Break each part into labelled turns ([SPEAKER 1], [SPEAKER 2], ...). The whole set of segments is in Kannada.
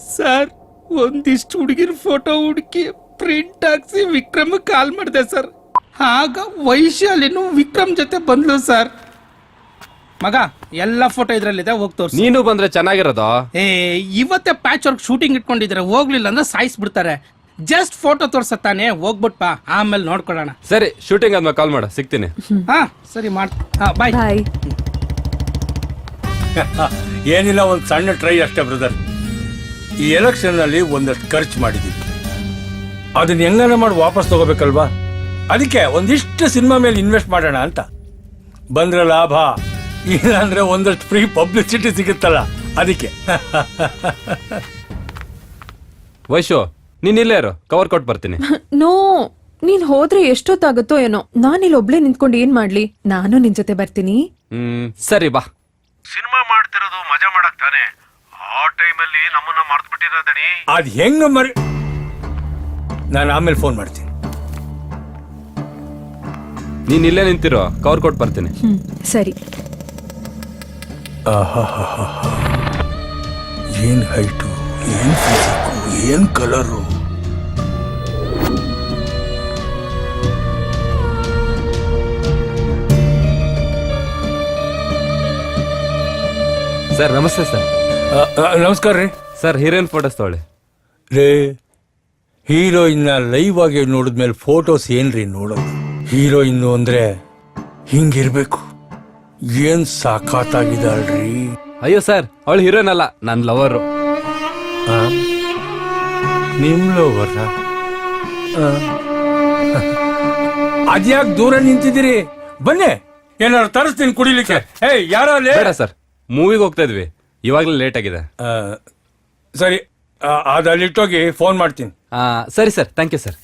[SPEAKER 1] ಸರ್ ಒಂದಿಷ್ಟು ಹುಡುಗಿರ ಫೋಟೋ ಹುಡುಕಿ ಪ್ರಿಂಟ್ ಹಾಕ್ಸಿ ವಿಕ್ರಮ್ ಕಾಲ್ ಮಾಡಿದೆ ಸರ್. ಆಗ ವೈಶಾಲಿನೂ ವಿಕ್ರಮ್ ಜೊತೆ ಬಂದ್ಲು ಸರ್. ಮಗ ಎಲ್ಲ ಫೋಟೋ ಇದ್ರಲ್ಲಿದೆ, ಹೋಗಿ ತೋರ್ಸಿ.
[SPEAKER 2] ನೀನು ಬಂದ್ರೆ ಚೆನ್ನಾಗಿರೋದು.
[SPEAKER 1] ಇವತ್ತೇ ಪ್ಯಾಚ್ ವರ್ಕ್ ಶೂಟಿಂಗ್ ಇಟ್ಕೊಂಡಿದ್ರೆ ಹೋಗ್ಲಿಲ್ಲ ಅಂದ್ರೆ ಸಾಯಿಸ್ಬಿಡ್ತಾರೆ. ಜಸ್ಟ್ ಫೋಟೋ ತೋರ್ಸತ್ತಾನೆ, ಹೋಗ್ಬಿಟ್ಪಾ, ಆಮೇಲೆ ನೋಡ್ಕೊಳ್ಳೋಣ.
[SPEAKER 2] ಸರಿ, ಶೂಟಿಂಗ್ ಆದ್ಮೇಲೆ ಕಾಲ್ ಮಾಡು, ಸಿಗ್ತೀನಿ.
[SPEAKER 1] ಹಾ ಸರಿ ಬಾಯ್.
[SPEAKER 3] ಏನಿಲ್ಲ, ಒಂದು ಸಣ್ಣ ಟ್ರೈ ಅಷ್ಟೇ ಬ್ರದರ್. ಈ ಎಲೆಕ್ಷನ್ ಅಲ್ಲಿ ಒಂದಷ್ಟು ಖರ್ಚು ಮಾಡಿದೀವಿ, ಅದನ್ನ ಹೆಂಗನ ಮಾಡಿ ವಾಪಸ್ ತಗೋಬೇಕಲ್ವಾ. ಅದಕ್ಕೆ ಒಂದಿಷ್ಟು ಸಿನಿಮಾ ಮೇಲೆ ಇನ್ವೆಸ್ಟ್ ಮಾಡೋಣ ಅಂತ. ಬಂದ್ರೆ ಲಾಭ, ಇಲ್ಲ ಅಂದ್ರೆ ಒಂದಷ್ಟು ಫ್ರೀ ಪಬ್ಲಿಸಿಟಿ ಸಿಗುತ್ತಲ್ಲ, ಅದಕ್ಕೆ.
[SPEAKER 2] ವೈಶು, ನೀನ್ ಇಲ್ಲೇ ಇರು, ಕವರ್ ಕೊಟ್ಟು ಬರ್ತೀನಿ.
[SPEAKER 4] ನೋ, ನೀನ್ ಹೋದ್ರೆ ಎಷ್ಟೊತ್ತಾಗುತ್ತೋ ಏನೋ. ನಾನಿಲ್ಲಿ ಒಬ್ಳೆ ನಿಂತ್ಕೊಂಡು ಏನ್ ಮಾಡ್ಲಿ? ನಾನು ನಿನ್ ಜೊತೆ ಬರ್ತೀನಿ.
[SPEAKER 2] ಸರಿ ಬಾ.
[SPEAKER 5] ಸಿನಿಮಾ ಮಾಡ್ತಿರೋದು ಮಜಾ ಮಾಡಕ್ ತಾನೆ, ಆ ಟೈಮಲ್ಲಿ ನಮ್ಮನ್ನ ಮರ್ತು ಬಿಟ್ಟಿರೋದಣಿ.
[SPEAKER 3] ಅದ್ ಹೆಂಗ ಮರಿ, ನಾನು ಆಮೇಲೆ ಫೋನ್ ಮಾಡ್ತೀನಿ.
[SPEAKER 2] ನೀನ್ ಇಲ್ಲೇ ನಿಂತಿರೋ, ಕವರ್ ಕೊಟ್ಟು ಬರ್ತೀನಿ.
[SPEAKER 4] ಸರಿ.
[SPEAKER 3] ಏನ್ ಹೈಟು, ಏನ್ ಫಿಸಿಕ್ಕು, ಏನ್ ಕಲರು.
[SPEAKER 2] ಸರ್ ನಮಸ್ತೆ ಸರ್.
[SPEAKER 3] ನಮಸ್ಕಾರ ರೀ.
[SPEAKER 2] ಸರ್ ಹೀರೋಯಿನ್ ಫೋಟೋಸ್ ತಗೊಳ್ಳಿ.
[SPEAKER 3] ರೇ, ಹೀರೋಯಿನ್ನ ಲೈವ್ ಆಗಿ ನೋಡಿದ್ಮೇಲೆ ಫೋಟೋಸ್ ಏನ್ರಿ ನೋಡೋದು? ಹೀರೋಯಿನ್ನು ಅಂದ್ರೆ ಹಿಂಗಿರ್ಬೇಕು. ಏನ್ ಸಾಕಾಗಿದ್ದಾಳ್ರಿ.
[SPEAKER 2] ಅಯ್ಯೋ ಸರ್, ಅವಳು ಹೀರೋಯಿನ್ ಅಲ್ಲ, ನನ್ ಲವರು.
[SPEAKER 3] ನಿಮ್ ಲವರ್? ಅದ್ಯಾಕ್ ದೂರ ನಿಂತಿದ್ದೀರಿ? ಬನ್ನಿ, ಏನಾದ್ರು ತರಿಸ್ತೀನಿ ಕುಡಿಲಿಕ್ಕೆ. ಯಾರ
[SPEAKER 2] ಬೇಡ ಸರ್, ಮೂವಿಗೆ ಹೋಗ್ತಾ ಇದ್ವಿ, ಇವಾಗಲೇ ಲೇಟ್ ಆಗಿದೆ.
[SPEAKER 3] ಸರಿ, ಅದು ಅಲ್ಲಿಟ್ಟೋಗಿ ಫೋನ್ ಮಾಡ್ತೀನಿ.
[SPEAKER 2] ಸರಿ ಸರ್, ಥ್ಯಾಂಕ್ ಯು ಸರ್.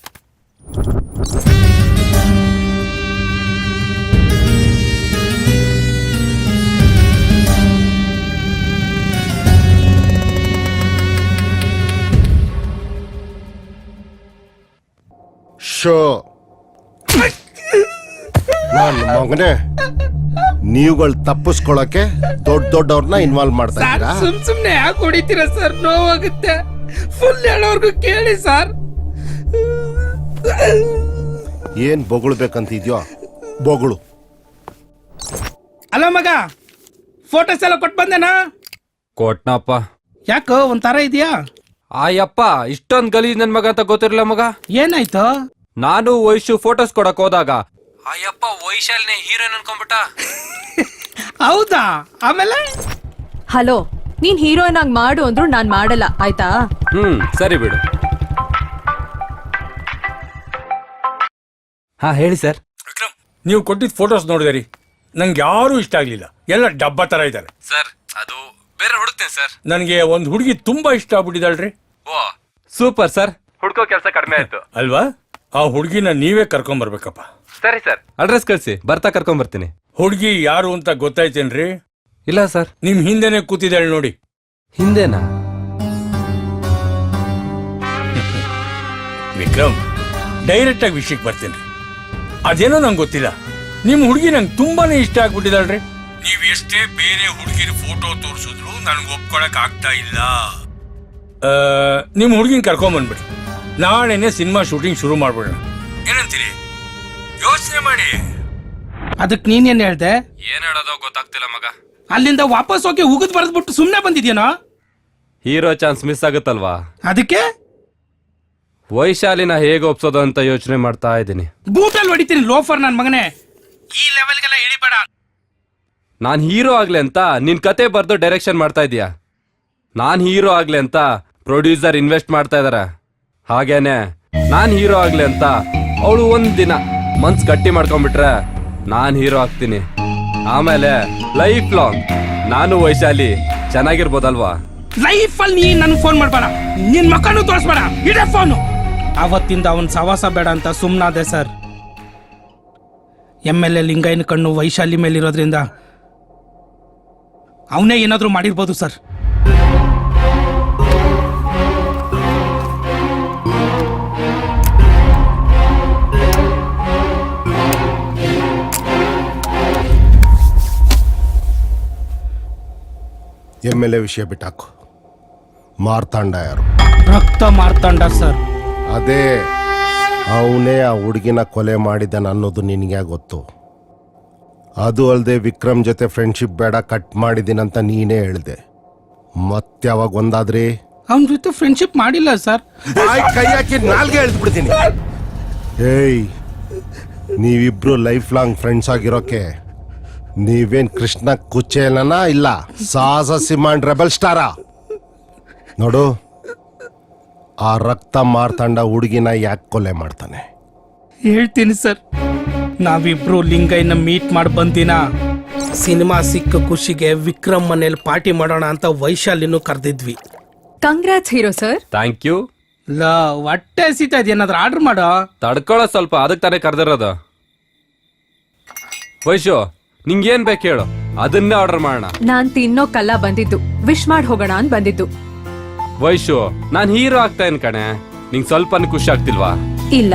[SPEAKER 6] ಶೋ ನನ್ನ ಮಗನೇ, ನೀವುಗಳು ತಪ್ಪಿಸ್ಕೊಳಕ್ಕೆ ದೊಡ್ಡವ್ರನ್ನ ಇನ್ವಾಲ್ವ್ ಮಾಡ್ತಾ ಇದ್ದೀರಾ?
[SPEAKER 1] ಸುಮ್ನೆ ಯಾಕೆ ಹೊಡಿತೀರಾ ಸರ್? ನೋವಾಗುತ್ತೆ. ಫುಲ್ ಹೇಳೋರ್ಗು ಕೇಳಿ ಸರ್.
[SPEAKER 6] ಏನ್ ಬೊಗಳ್ಬೇಕಂತಿದ್ಯೋ ಬೊಗಳು.
[SPEAKER 1] ಅಲ್ಲ ಮಗ, ಫೋಟೋಸ್ ಎಲ್ಲ ಕೊಟ್ಟು ಬಂದೇನಾ?
[SPEAKER 2] ಕೊಟ್ನಪ್ಪ.
[SPEAKER 1] ಯಾಕೋ ಒಂಥರ ಇದೆಯಾ?
[SPEAKER 2] ಆಯಪ್ಪ, ಇಷ್ಟೊಂದ್ ಗಲೀಜ್ ನನ್ ಮಗ ಅಂತ ಗೊತ್ತಿರಲಿಲ್ಲ ಮಗ.
[SPEAKER 1] ಏನಾಯ್ತು?
[SPEAKER 2] ನಾನು ವೈಶು ಫೋಟೋಸ್ ಕೊಡಕ್ ಹೋದಾಗ ಅಯ್ಯಪ್ಪ ವೈಶಾಲಿನೇ ಹೀರೋಯಿನ್ ಅನ್ಕೊಂಡ್ಬಿಟ್ಟ.
[SPEAKER 1] ಹೌದಾ? ಆಮೇಲೆ
[SPEAKER 4] ಹಲೋ, ನೀನ್ ಹೀರೋಯಿನ್ ಆಗಿ ಮಾಡು ಅಂದ್ರು ನಾನ್ ಮಾಡಲ್ಲ, ಆಯ್ತಾ?
[SPEAKER 2] ಸರಿ ಬಿಡು. ಹಾ ಹೇಳಿ ಸರ್.
[SPEAKER 3] ವಿಕ್ರಮ್, ನೀವು ಕೊಟ್ಟಿದ್ದ ಫೋಟೋಸ್ ನೋಡಿದೆ ರೀ, ನಂಗೆ ಯಾರು ಇಷ್ಟ ಆಗ್ಲಿಲ್ಲ. ಎಲ್ಲ ಡಬ್ಬ ತರ ಇದ್ದಾರೆ
[SPEAKER 2] ಸರ್. ಅದು ಬೇರೆ ಹುಡುಕ್ತೇನೆ ಸರ್.
[SPEAKER 3] ನನಗೆ ಒಂದು ಹುಡುಗಿ ತುಂಬಾ ಇಷ್ಟ ಆಗ್ಬಿಟ್ಟಿದ್ದಾಳ್ರಿ.
[SPEAKER 2] ಓ ಸೂಪರ್ ಸರ್, ಹುಡ್ಕೋ ಕೆಲಸ ಕಡಿಮೆ ಆಯ್ತು
[SPEAKER 3] ಅಲ್ವಾ? ಆ ಹುಡುಗಿನ ನೀವೇ ಕರ್ಕೊಂಡ್ ಬರ್ಬೇಕಪ್ಪ.
[SPEAKER 2] ಸರಿ ಸರ್, ಅಡ್ರೆಸ್ ಕಳಿಸಿ, ಬರ್ತಾ ಕರ್ಕೊಂಡ್ ಬರ್ತೀನಿ.
[SPEAKER 3] ಹುಡುಗಿ ಯಾರು ಅಂತ ಗೊತ್ತಾಯ್ತೇನ್ರಿ?
[SPEAKER 2] ಇಲ್ಲ ಸರ್.
[SPEAKER 3] ನಿಮ್ ಹಿಂದೆನೆ ಕೂತಿದ್ದಾಳೆ ನೋಡಿ.
[SPEAKER 2] ಹಿಂದೆನಾ?
[SPEAKER 3] ವಿಕ್ರಮ್, ಡೈರೆಕ್ಟ್ ಆಗಿ ವಿಷಯಕ್ಕೆ ಬರ್ತೀನಿ. ಅದೇನೋ ನಂಗೆ ಗೊತ್ತಿಲ್ಲ, ನಿಮ್ ಹುಡುಗಿ ನಂಗೆ ತುಂಬಾನೇ ಇಷ್ಟ ಆಗ್ಬಿಟ್ಟಿದಾಳ್ರಿ. ನೀವ್ ಎಷ್ಟೇ ಬೇರೆ ಹುಡುಗಿರ ಫೋಟೋ ತೋರಿಸಿದ್ರು ನನ್ಗೆ ಒಪ್ಕೊಳಕ್ ಆಗ್ತಾ ಇಲ್ಲ. ನಿಮ್ ಹುಡುಗಿನ ಕರ್ಕೊಂಡ್ ಬಂದ್ಬಿಡಿ, ನಾಳೆನೆ ಸಿನಿಮಾ ಶೂಟಿಂಗ್ ಶುರು ಮಾಡ್ಬಿಡೋಣ. ಏನಂತೀರಿ? ಯೋಚನೆ ಮಾಡಿ.
[SPEAKER 1] ಅದಕ್ಕೆ ನೀನೇನ್ ಹೇಳ್ದೆ?
[SPEAKER 2] ಏನ್ ಹೇಳೋದೋ ಗೊತ್ತಾಗ್ತಿಲ್ಲ ಮಗ.
[SPEAKER 1] ಅಲ್ಲಿಂದ ವಾಪಸ್ ಹೋಗಿ ಉಗಿದ್ ಬರೆದ್ಬಿಟ್ಟು ಸುಮ್ನೆ ಬಂದಿದ್ಯೇನೋ?
[SPEAKER 2] ಹೀರೋ ಚಾನ್ಸ್ ಮಿಸ್ ಆಗುತ್ತಲ್ವಾ,
[SPEAKER 1] ಅದಕ್ಕೆ
[SPEAKER 2] ವೈಶಾಲಿನ ಹೇಗೆ ಒಪ್ಸೋದು ಅಂತ ಯೋಚನೆ ಮಾಡ್ತಾ ಇದ್ದೀನಿ.
[SPEAKER 1] ಬೂಟಲ್ಲಿ ಹೊಡಿತೀನಿ ಲೋಫರ್ ನನ್ ಮಗನೇ. ಈ ಲೆವೆಲ್ಗೆಲ್ಲ ಇಳಿಬೇಡ.
[SPEAKER 2] ನಾನ್ ಹೀರೋ ಆಗ್ಲಿ ಅಂತ ನಿನ್ ಕತೆ ಬರ್ದು ಡೈರೆಕ್ಷನ್ ಮಾಡ್ತಾ ಇದೀಯ. ನಾನ್ ಹೀರೋ ಆಗ್ಲಿ ಅಂತ ಪ್ರೊಡ್ಯೂಸರ್ ಇನ್ವೆಸ್ಟ್ ಮಾಡ್ತಾ ಇದಾರೆ. ಹಾಗೇನೆ ನಾನ್ ಹೀರೋ ಆಗ್ಲಿ ಅಂತ ಅವಳು ಒಂದ್ ದಿನ ಮನ್ಸ್ ಗಟ್ಟಿ ಮಾಡ್ಕೊಂಡ್ಬಿಟ್ರೆ ನಾನ್ ಹೀರೋ ಆಗ್ತೀನಿ. ಆಮೇಲೆ ಲೈಫ್ ಲಾಂಗ್ ನಾನು ವೈಶಾಲಿ ಚೆನ್ನಾಗಿರ್ಬೋದಲ್ವಾ?
[SPEAKER 1] ಲೈಫ್ ಅಲ್ಲಿ ನೀ ನನ್ ಫೋನ್ ಮಾಡ್ಬೇಡ, ನಿನ್ ಮಕ್ಕಳು ತೋರಿಸ್ಬೇಡ, ಇಡೇ ಫೋನು. ಅವತ್ತಿಂದ ಅವನ್ ಸವಾಸ ಬೇಡ ಅಂತ ಸುಮ್ನಾದೆ ಸರ್. MLA ಲಿಂಗಯ್ಯನ ಕಣ್ಣು ವೈಶಾಲಿ ಮೇಲಿರೋದ್ರಿಂದ ಅವನೇ ಏನಾದ್ರೂ ಮಾಡಿರ್ಬೋದು ಸರ್.
[SPEAKER 6] MLA ವಿಷಯ ಬಿಟ್ಟಾಕು. ಮಾರ್ತಾಂಡ ಯಾರು?
[SPEAKER 1] ರಕ್ತ ಮಾರ್ತಾಂಡ ಸರ್.
[SPEAKER 6] ಅದೇ ಅವನೇ ಆ ಹುಡುಗಿನ ಕೊಲೆ ಮಾಡಿದ್ದಾನೆ ಅನ್ನೋದು ನಿನಗೆ ಗೊತ್ತು. ಅದು ಅಲ್ಲದೆ ವಿಕ್ರಮ್ ಜೊತೆ ಫ್ರೆಂಡ್ಶಿಪ್ ಬೇಡ, ಕಟ್ ಮಾಡಿದ್ದೀನಂತ ನೀನೇ ಹೇಳಿದೆ. ಮತ್ತೆ ಯಾವಾಗ ಒಂದಾದ್ರಿ?
[SPEAKER 1] ಅವನ ಜೊತೆ ಫ್ರೆಂಡ್ಶಿಪ್ ಮಾಡಿಲ್ಲ ಸರ್.
[SPEAKER 6] ಕೈ ಹಾಕಿ ನಾಲ್ಗೆ ಎಳ್ದು ಬಿಡ್ತೀನಿ. ಏಯ್, ನೀವಿಬ್ರು ಲೈಫ್ ಲಾಂಗ್ ಫ್ರೆಂಡ್ಸ್ ಆಗಿರೋಕೆ ನೀವೇನ್ ಕೃಷ್ಣ ಕುಚೇಲನ ಇಲ್ಲ ಸಾಹಸ ಸಿಂಹನ್ ರೆಬಲ್ ಸ್ಟಾರ? ನೋಡು, ಆ ರಕ್ತ ಮಾರ್ತಾಂಡ ಹುಡುಗಿನ ಯಾಕೆ ಕೊಲೆ ಮಾಡ್ತಾನೆ?
[SPEAKER 1] ಹೇಳ್ತೀನಿ ಸರ್. ನಾವಿಬ್ರು ಲಿಂಗಯ್ಯನ ಮೀಟ್ ಮಾಡಿ ಬಂದಿನ ಸಿನಿಮಾ ಸಿಕ್ಕ ಖುಷಿಗೆ ವಿಕ್ರಮ್ ಮನೇಲಿ ಪಾರ್ಟಿ ಮಾಡೋಣ ಅಂತ ವೈಶಾಲಿನೂ ಕರೆದಿದ್ವಿ.
[SPEAKER 4] Congrats hero sir.
[SPEAKER 2] Thank you.
[SPEAKER 1] ಹೊಟ್ಟೆ ಹಸಿತಾ ಇದೆ, ಏನಾದ್ರು ಆರ್ಡರ್ ಮಾಡೋ.
[SPEAKER 2] ತಡ್ಕೊಳ್ಳೋ ಸ್ವಲ್ಪ, ಅದಕ್ಕೆ ತಾನೇ ಕರೆದಿರೋದು. ವೈಶು, ನಿಂಗೇನ್ ಬೇಕು ಹೇಳು, ಅದನ್ನೇ ಆರ್ಡರ್ ಮಾಡೋಣ.
[SPEAKER 4] ನಾನ್ ತಿನ್ನೋಕಲ್ಲ ಬಂದಿದ್ದು, ವಿಶ್ ಮಾಡಿ ಹೋಗೋಣ ಅಂತ ಬಂದಿದ್ದು.
[SPEAKER 2] ವೈಶು, ನಾನ್ ಹೀರೋ ಆಗ್ತಾ ಇನ್ ಕಣೆ, ನಿಂಗ್ ಸ್ವಲ್ಪ ಖುಷಿ ಆಗ್ತಿಲ್ವಾ?
[SPEAKER 4] ಇಲ್ಲ,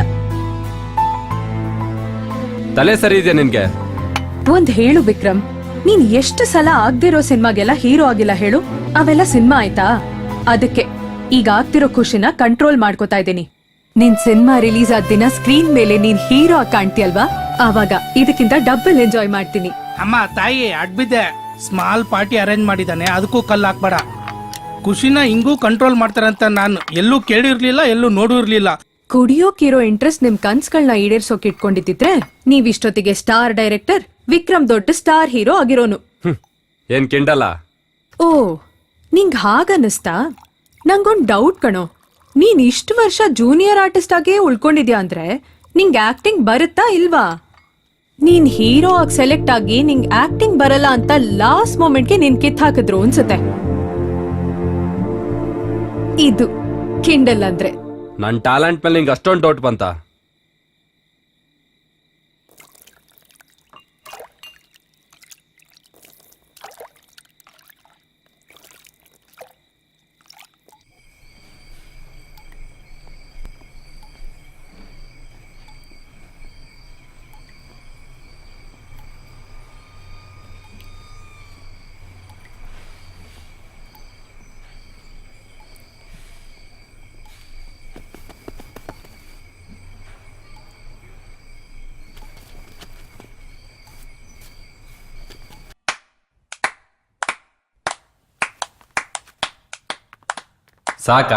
[SPEAKER 2] ತಲೆ ಸರಿ ಇದೆಯಾ ನಿನ್ಗೆ?
[SPEAKER 4] ಒಂದ್ ಹೇಳು ವಿಕ್ರಮ್, ನೀನ್ ಎಷ್ಟು ಸಲ ಆಗ್ದಿರೋ ಸಿನಿಮಾಗೆಲ್ಲ ಹೀರೋ ಆಗಿಲ್ಲ ಹೇಳು? ಅವೆಲ್ಲ ಸಿನಿಮಾ ಆಯ್ತಾ? ಅದಕ್ಕೆ ಈಗ ಆಗ್ತಿರೋ ಖುಷಿನ ಕಂಟ್ರೋಲ್ ಮಾಡ್ಕೋತಾ ಇದ್ದೀನಿ. ನಿನ್ ಸಿನಿಮಾ ರಿಲೀಸ್ ಆದ ದಿನ ಸ್ಕ್ರೀನ್ ಮೇಲೆ ನೀನ್ ಹೀರೋ ಆಗಿ ಕಾಣ್ತೀಯಲ್ವಾ, ಆವಾಗ ಇದಕ್ಕಿಂತ ಡಬಲ್ ಎಂಜಾಯ್ ಮಾಡ್ತೀನಿ.
[SPEAKER 1] ಅಮ್ಮ ತಾಯಿ ಅಡ್ಬಿದ್ದೆ, ಸ್ಮಾಲ್ ಪಾರ್ಟಿ ಅರೇಂಜ್ ಮಾಡಿದ್ದಾನೆ, ಅದಕ್ಕೂ ಕಲ್ಲು ಹಾಕ್ಬೇಡ. ಖುಷಿನ ಹಿಂಗೂ ಕಂಟ್ರೋಲ್ ಮಾಡ್ತಾರಂತ ನಾನು ಎಲ್ಲೂ ಕೇಳಿರ್ಲಿಲ್ಲ, ಎಲ್ಲೂ ನೋಡಿರ್ಲಿಲ್ಲ.
[SPEAKER 4] ಕುಡಿಯೋಕಿರೋ ಇಂಟ್ರೆಸ್ಟ್ ನಿಮ್ ಕನ್ಸ್ಗಳನ್ನ ಈಡೇರ್ಸೋಕ್ ಇಟ್ಕೊಂಡಿದ್ದಿದ್ರೆ ನೀವ್ ಇಷ್ಟೊತ್ತಿಗೆ ಸ್ಟಾರ್ ಡೈರೆಕ್ಟರ್, ವಿಕ್ರಮ್ ದೊಡ್ಡ ಸ್ಟಾರ್ ಹೀರೋ ಆಗಿರೋನು.
[SPEAKER 2] ಏನ್ ಕಿಂಡಲ್ಲ?
[SPEAKER 4] ಓ, ನಿಂಗ್ ಹಾಗನ್ನಿಸ್ತಾ? ನಂಗೊಂದ್ ಡೌಟ್ ಕಣೋ, ನೀನ್ ಇಷ್ಟು ವರ್ಷ ಜೂನಿಯರ್ ಆರ್ಟಿಸ್ಟ್ ಆಗೇ ಉಳ್ಕೊಂಡಿದ್ಯಾ ಅಂದ್ರೆ ನಿಂಗ್ ಆಕ್ಟಿಂಗ್ ಬರುತ್ತಾ ಇಲ್ವಾ? ನೀನ್ ಹೀರೋ ಆಗಿ ಸೆಲೆಕ್ಟ್ ಆಗಿ ನಿಂಗ್ ಆಕ್ಟಿಂಗ್ ಬರಲ್ಲ ಅಂತ ಲಾಸ್ಟ್ ಮೊಮೆಂಟ್ಗೆ ನೀನ್ ಕಿತ್ ಹಾಕಿದ್ರು ಅನ್ಸುತ್ತೆ. ಇದು ಕಿಂಡಲ್ ಅಂದ್ರೆ.
[SPEAKER 2] ನನ್ ಟ್ಯಾಲೆಂಟ್ ಮೇಲೆ ನಿಂಗೆ ಅಷ್ಟೊಂದು ಡೌಟ್ ಬಂತ? ಸಾಕಾ?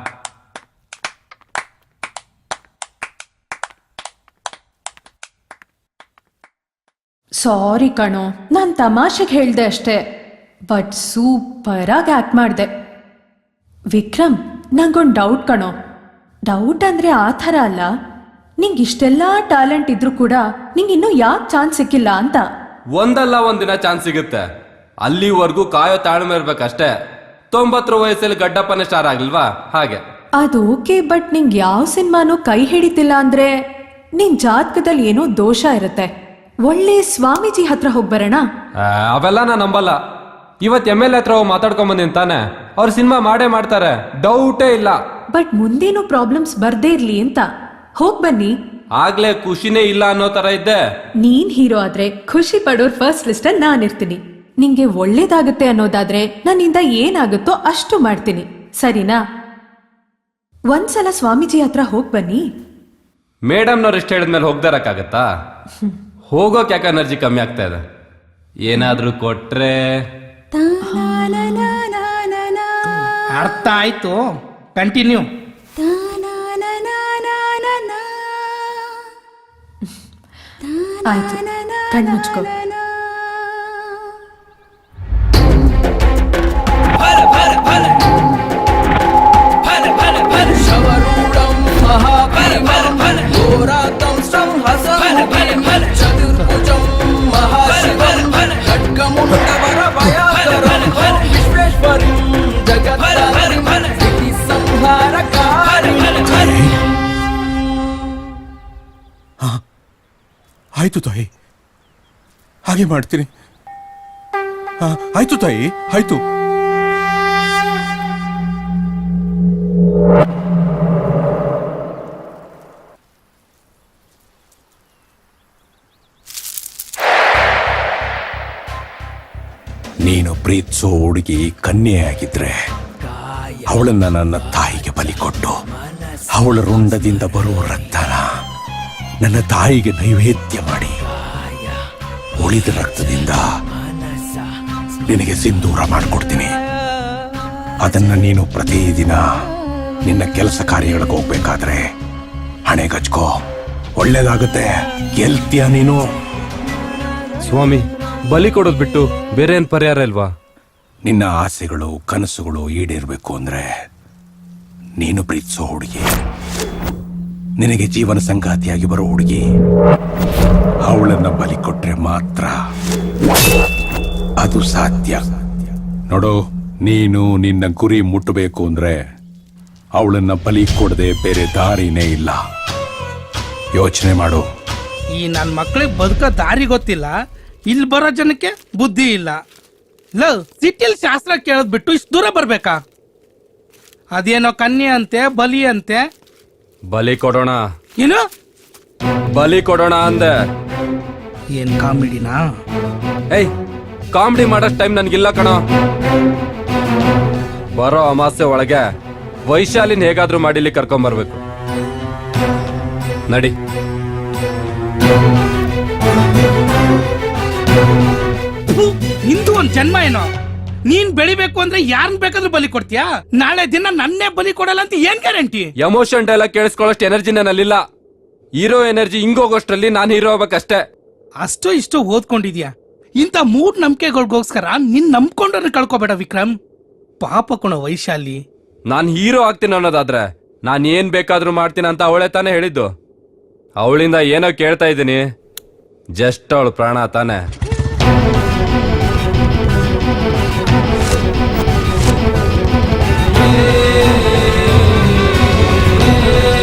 [SPEAKER 4] ಸಾರಿ ಕಣೋ, ನಾನ್ ತಮಾಷೆಗೆ ಹೇಳ್ದೆ ಅಷ್ಟೇ, ಬಟ್ ಸೂಪರ್ ಆಗಿ ಆಕ್ಟ್ ಮಾಡ್ದೆ. ವಿಕ್ರಮ್, ನಂಗೊಂದ್ ಡೌಟ್ ಕಣೋ. ಡೌಟ್ ಅಂದ್ರೆ ಆ ಥರ ಅಲ್ಲ, ನಿಂಗ್ ಇಷ್ಟೆಲ್ಲಾ ಟ್ಯಾಲೆಂಟ್ ಇದ್ರೂ ಕೂಡ ನಿಂಗ್ ಇನ್ನೂ ಯಾಕೆ ಚಾನ್ಸ್ ಸಿಕ್ಕಿಲ್ಲ ಅಂತ.
[SPEAKER 2] ಒಂದಲ್ಲ ಒಂದಿನ ಚಾನ್ಸ್ ಸಿಗುತ್ತೆ, ಅಲ್ಲಿವರೆಗೂ ಕಾಯೋ ತಾಳ್ಮೆ ಇರ್ಬೇಕಷ್ಟೇ. 90 ವಯಸ್ಸಲ್ಲಿ ಗಡ್ಡಪ್ಪನೇ ಸ್ಟಾರ್ ಆಗ್ಲಿಲ್ವಾ ಹಾಗೆ.
[SPEAKER 4] ಅದು ಓಕೆ, ಬಟ್ ನಿಂಗ್ ಯಾವ ಸಿನಿಮಾನು ಕೈ ಹಿಡಿತಿಲ್ಲ ಅಂದ್ರೆ ನಿನ್ ಜಾತಕದಲ್ಲಿ ಏನೋ ದೋಷ ಇರುತ್ತೆ. ಒಳ್ಳೆ ಸ್ವಾಮೀಜಿ ಹತ್ರ ಹೋಗ್ ಬರೋಣ.
[SPEAKER 2] ಅವೆಲ್ಲ ನಾ ನಂಬಲ್ಲ. ಇವತ್ MLA ಹತ್ರ ಹೋಗಿ ಮಾತಾಡ್ಕೊಂಡ್ ಬಂದಿನ್ ತಾನೆ, ಅವ್ರ ಸಿನಿಮಾ ಮಾಡೇ ಮಾಡ್ತಾರೆ, ಡೌಟೇ ಇಲ್ಲ.
[SPEAKER 4] ಬಟ್ ಮುಂದೇನು ಪ್ರಾಬ್ಲಮ್ಸ್ ಬರ್ದೇ ಇರ್ಲಿ ಅಂತ ಹೋಗ್ ಬನ್ನಿ.
[SPEAKER 2] ಆಗ್ಲೇ ಖುಷಿನೇ ಇಲ್ಲ ಅನ್ನೋ ತರ ಇದ್ದೆ.
[SPEAKER 4] ನೀನ್ ಹೀರೋ ಆದ್ರೆ ಖುಷಿ ಪಡೋರ್ ಫಸ್ಟ್ ಲಿಸ್ಟ್ ಅಲ್ಲಿ ನಾನಿರ್ತೀನಿ. ನಿಂಗೆ ಒಳ್ಳೇದಾಗುತ್ತೆ ಅನ್ನೋದಾದ್ರೆ ನನ್ನಿಂದ ಏನಾಗುತ್ತೋ ಅಷ್ಟು ಮಾಡ್ತೀನಿ, ಸರಿನಾ? ಒಂದ್ಸಲ ಸ್ವಾಮೀಜಿ ಹತ್ರ ಹೋಗ್ ಬನ್ನಿ.
[SPEAKER 2] ಮೇಡಮ್ನವ್ರು ಇಷ್ಟ ಹೇಳಿದ್ಮೇಲೆ ಹೋಗ್ದಾರಕ್ಕಾಗತ್ತಾ? ಹೋಗೋಕ್ ಯಾಕೆ ಎನರ್ಜಿ ಕಮ್ಮಿ ಆಗ್ತಾ ಇದೆ? ಏನಾದ್ರೂ ಕೊಟ್ರೆ.
[SPEAKER 1] ಅರ್ಥ ಆಯ್ತು, ಕಂಟಿನ್ಯೂ.
[SPEAKER 4] ಆಯ್ತು, ಕಣ್ಮುಚ್ಕೋ.
[SPEAKER 7] ಆಯ್ತು ತಾಯಿ, ಹಾಗೆ ಮಾಡ್ತೀನಿ. ಆಯ್ತು ತಾಯಿ, ಆಯ್ತು. ನೀನು ಪ್ರೀತಿಸೋ ಹುಡುಗಿ ಕನ್ಯೆ ಆಗಿದ್ರೆ
[SPEAKER 3] ಅವಳನ್ನ ನನ್ನ ತಾಯಿಗೆ ಬಲಿ ಕೊಟ್ಟು ಅವಳ ರುಂಡದಿಂದ ಬರುವ ರಕ್ತನ ನನ್ನ ತಾಯಿಗೆ ನೈವೇದ್ಯ ಮಾಡಿ ಉಳಿದ ರಕ್ತದಿಂದ ನಿನಗೆ ಸಿಂಧೂರ ಮಾಡಿಕೊಡ್ತೀನಿ. ಅದನ್ನ ನೀನು ಪ್ರತಿದಿನ ನಿನ್ನ ಕೆಲಸ ಕಾರ್ಯಗಳಿಗೆ ಹೋಗ್ಬೇಕಾದ್ರೆ ಹಣೆಗಚ್ಕೋ, ಒಳ್ಳೇದಾಗುತ್ತೆ, ಗೆಲ್ತೀಯ ನೀನು.
[SPEAKER 2] ಸ್ವಾಮಿ, ಬಲಿ ಕೊಡೋದ್ ಬಿಟ್ಟು ಬೇರೆ ಏನ್ ಪರಿಹಾರ ಇಲ್ವಾ?
[SPEAKER 3] ನಿನ್ನ ಆಸೆಗಳು ಕನಸುಗಳು ಈಡೇರ್ಬೇಕು ಅಂದ್ರೆ ನೀನು ಪ್ರೀತಿಸೋ ಹುಡುಗಿ, ನಿನಗೆ ಜೀವನ ಸಂಗಾತಿಯಾಗಿ ಬರೋ ಹುಡುಗಿ, ಅವಳನ್ನ ಬಲಿ ಕೊಟ್ರೆ ಮಾತ್ರ ಅದು ಸಾಧ್ಯ. ನೋಡು, ನೀನು ನಿನ್ನ ಗುರಿ ಮುಟ್ಟಬೇಕು ಅಂದ್ರೆ ಅವಳನ್ನ ಬಲಿ ಕೊಡದೆ ಬೇರೆ ದಾರಿನೇ ಇಲ್ಲ. ಯೋಚನೆ ಮಾಡು.
[SPEAKER 1] ಈ ನನ್ನ ಮಕ್ಳಿಗೆ ಬದುಕೋ ದಾರಿ ಗೊತ್ತಿಲ್ಲ, ಇಲ್ಲಿ ಬರೋ ಜನಕ್ಕೆ ಬುದ್ಧಿ ಇಲ್ಲ. ಸಿಟಿಲಿ ಶಾಸ್ತ್ರ ಕೇಳೋದ್ ಬಿಟ್ಟು ಇಷ್ಟು ದೂರ ಬರ್ಬೇಕಾ? ಅದೇನೋ ಕನ್ಯೆ ಅಂತೆ, ಬಲಿ ಅಂತೆ.
[SPEAKER 2] ಬಲಿ ಕೊಡೋಣ,
[SPEAKER 1] ಏನು
[SPEAKER 2] ಬಲಿ ಕೊಡೋಣ ಅಂದೆ.
[SPEAKER 1] ಏನ್ ಕಾಮಿಡಿನಾ?
[SPEAKER 2] ಏಯ್, ಕಾಮಿಡಿ ಮಾಡೋಷ್ಟು ಟೈಮ್ ನನ್ಗಿಲ್ಲ ಕಣೋ. ಬರೋ ಅಮಾಸೆ ಒಳಗೆ ವೈಶಾಲಿನ ಹೇಗಾದ್ರೂ ಮಾಡಿ ಇಲ್ಲಿ ಕರ್ಕೊಂಬರ್ಬೇಕು. ನಡಿ.
[SPEAKER 1] ನಿಂದು ಒಂದ್ ಜನ್ಮ ಏನೋ. ನೀನ್ ಬೆಳಿಬೇಕು ಅಂದ್ರೆ ಯಾರನ್ ಬೇಕಾದ್ರೂ ಬಲಿ ಕೊಡ್ತೀಯಾ? ನಾಳೆ ದಿನ ನನ್ನೇ ಬಲಿ ಕೊಡಲ್ಲ ಅಂತ ಏನ್ ಗ್ಯಾರಂಟಿ?
[SPEAKER 2] ಎಮೋಷನ್ ಡೈಲಾಗ್ ಕೇಳಿಸ್ಕೊಳ್ಳೋಷ್ಟು ಎನರ್ಜಿ ನನ್ನಲ್ಲಿಲ್ಲ. ಹೀರೋ ಎನರ್ಜಿ ಹಿಂಗೋಗೋಷ್ಟ್ರಲ್ಲಿ ನಾನು ಹೀರೋ ಆಗ್ಬೇಕಷ್ಟೇ.
[SPEAKER 1] ಅಷ್ಟೋ ಇಷ್ಟೋ ಓದ್ಕೊಂಡಿದ್ಯಾ? ಇಂಥ ಮೂಡ್ ನಂಬಿಕೆಗಳಿಗೋಸ್ಕರ ನಿನ್ ನಂಬ್ಕೊಂಡ್ರೆ ಕಳ್ಕೊಬೇಡ ವಿಕ್ರಮ್. ಪಾಪ ಕಣ ವೈಶಾಲಿ.
[SPEAKER 2] ನಾನು ಹೀರೋ ಆಗ್ತೀನಿ ಅನ್ನೋದಾದ್ರೆ ನಾನು ಏನ್ ಬೇಕಾದ್ರೂ ಮಾಡ್ತೀನಿ ಅಂತ ಅವಳೇ ತಾನೇ ಹೇಳಿದ್ದು. ಅವಳಿಂದ ಏನೋ ಕೇಳ್ತಾ ಇದ್ದೀನಿ, ಜಸ್ಟ್ ಅವಳು ಪ್ರಾಣ ತಾನೆ.